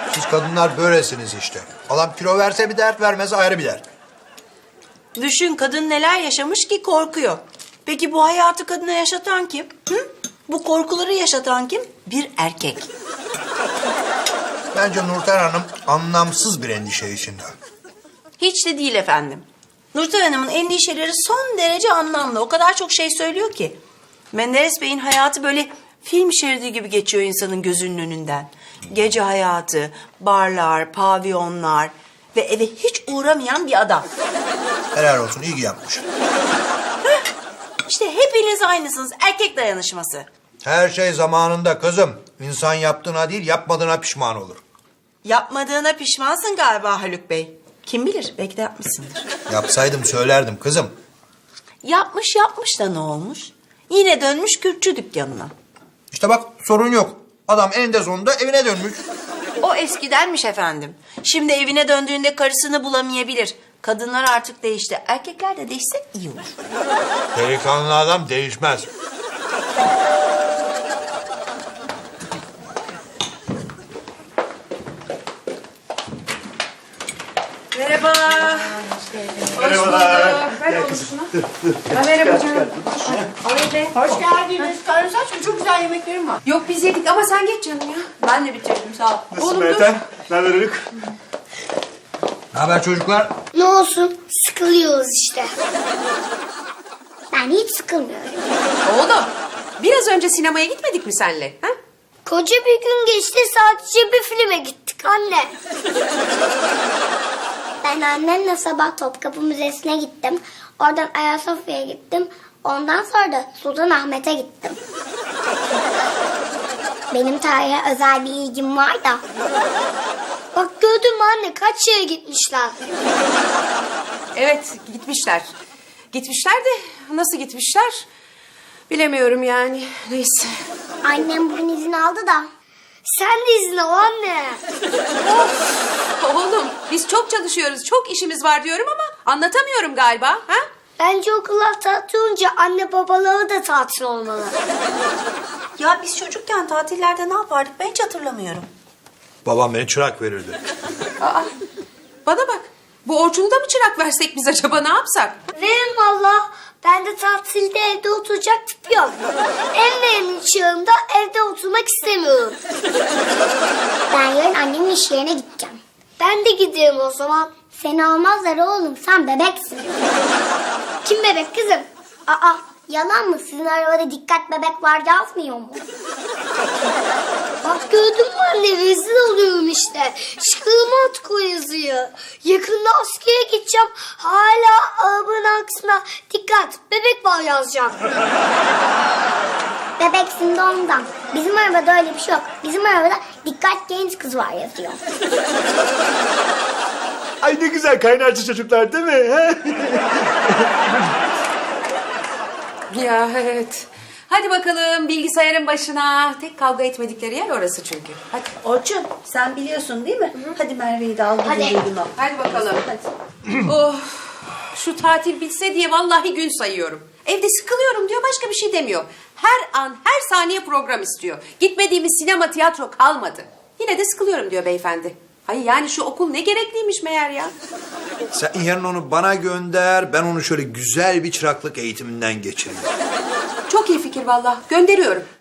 Siz kadınlar böylesiniz işte. Adam kilo verse bir dert, vermez ayrı bir dert. Düşün, kadın neler yaşamış ki korkuyor. Peki bu hayatı kadına yaşatan kim? Hı? Bu korkuları yaşatan kim? Bir erkek. Bence Nurten Hanım anlamsız bir endişe içinde. Hiç de değil efendim. Nurten Hanım'ın endişeleri son derece anlamlı. O kadar çok şey söylüyor ki. Menderes Bey'in hayatı böyle film şeridi gibi geçiyor insanın gözünün önünden. Gece hayatı, barlar, pavyonlar ve eve hiç uğramayan bir adam. Helal olsun, iyi ki yapmış. İşte hepiniz aynısınız. Erkek dayanışması. Her şey zamanında kızım. İnsan yaptığına değil, yapmadığına pişman olur. Yapmadığına pişmansın galiba Haluk Bey. Kim bilir, belki de yapmışsındır. Yapsaydım söylerdim kızım. Yapmış da ne olmuş? Yine dönmüş kürkçü dükkanına. İşte bak, sorun yok. Adam eninde sonunda evine dönmüş. O eskidenmiş efendim. Şimdi evine döndüğünde karısını bulamayabilir. Kadınlar artık değişti. Erkekler de değişse iyi olur. Delikanlı adam değişmez. Merhaba. Merhabalar. Ver onu şuna. Merhaba canım. Alayım be. Hoş geldiniz. Karnınız aç mı? Çok güzel yemeklerim var. Yok biz yedik ama sen geç canım ya. Ben de bitirdim, sağ ol. Nasılsın Meltem? Ne haber Haluk? Ne haber çocuklar? Ne olsun, sıkılıyoruz işte. Ben hiç sıkılmıyorum. Oğlum biraz önce sinemaya gitmedik mi senle? Ha? Koca bir gün geçti, sadece bir filme gittik anne. Ben annemle sabah Topkapı Müzesi'ne gittim. Oradan Ayasofya'ya gittim. Ondan sonra da Sultanahmet'e gittim. Benim tarihe özel bir ilgim var da. Bak gördün mü anne, kaç yere gitmişler. Evet gitmişler. Gitmişler de nasıl gitmişler? Bilemiyorum yani. Neyse. Annem bugün izin aldı da. Sen de izin al anne. Oğlum biz çok çalışıyoruz. Çok işimiz var diyorum ama anlatamıyorum galiba. Ha? Bence okullar tatil olunca anne babaları da tatil olmalı. Ya biz çocukken tatillerde ne yapardık ben hiç hatırlamıyorum. Babam beni çırak verirdi. Aa, bana bak. Bu Orçun'u da mı çırak versek biz acaba, ne yapsak? Verin valla. Ben de tatilde evde oturacak tip yok. En verimli çağımda evde oturmak istemiyorum. Ben yarın annemin iş yerine gideceğim. Ben de gidiyorum o zaman. Seni almazlar oğlum, sen bebeksin. Kim bebek kızım? Aa, yalan mı? Sizin arabada dikkat bebek var yazmıyor mu? Bak gördün mü anne, rezil oluyorum işte. Çıkarıma at o yazıyı. Yakında askere gideceğim. Hala arabanın arkasına dikkat bebek var yazacağım. Bebeksin de ondan. Bizim arabada öyle bir şey yok. Bizim arabada dikkat genç kız var yazıyor. Ay ne güzel kaynarcı çocuklar değil mi? He? Ya evet. Hadi bakalım bilgisayarın başına. Tek kavga etmedikleri yer orası çünkü. Hadi. Orçun, sen biliyorsun değil mi? Hadi Merve'yi de al. Hadi. gidelim al. Hadi bakalım. Oh, şu tatil bitse diye vallahi gün sayıyorum. Evde sıkılıyorum diyor, başka bir şey demiyor. Her an, her saniye program istiyor. Gitmediğimiz sinema, tiyatro kalmadı. Yine de sıkılıyorum diyor beyefendi. Hayır yani şu okul ne gerekliymiş meğer ya. Sen yarın onu bana gönder, ben onu şöyle güzel bir çıraklık eğitiminden geçireyim. Çok iyi fikir vallahi. Gönderiyorum.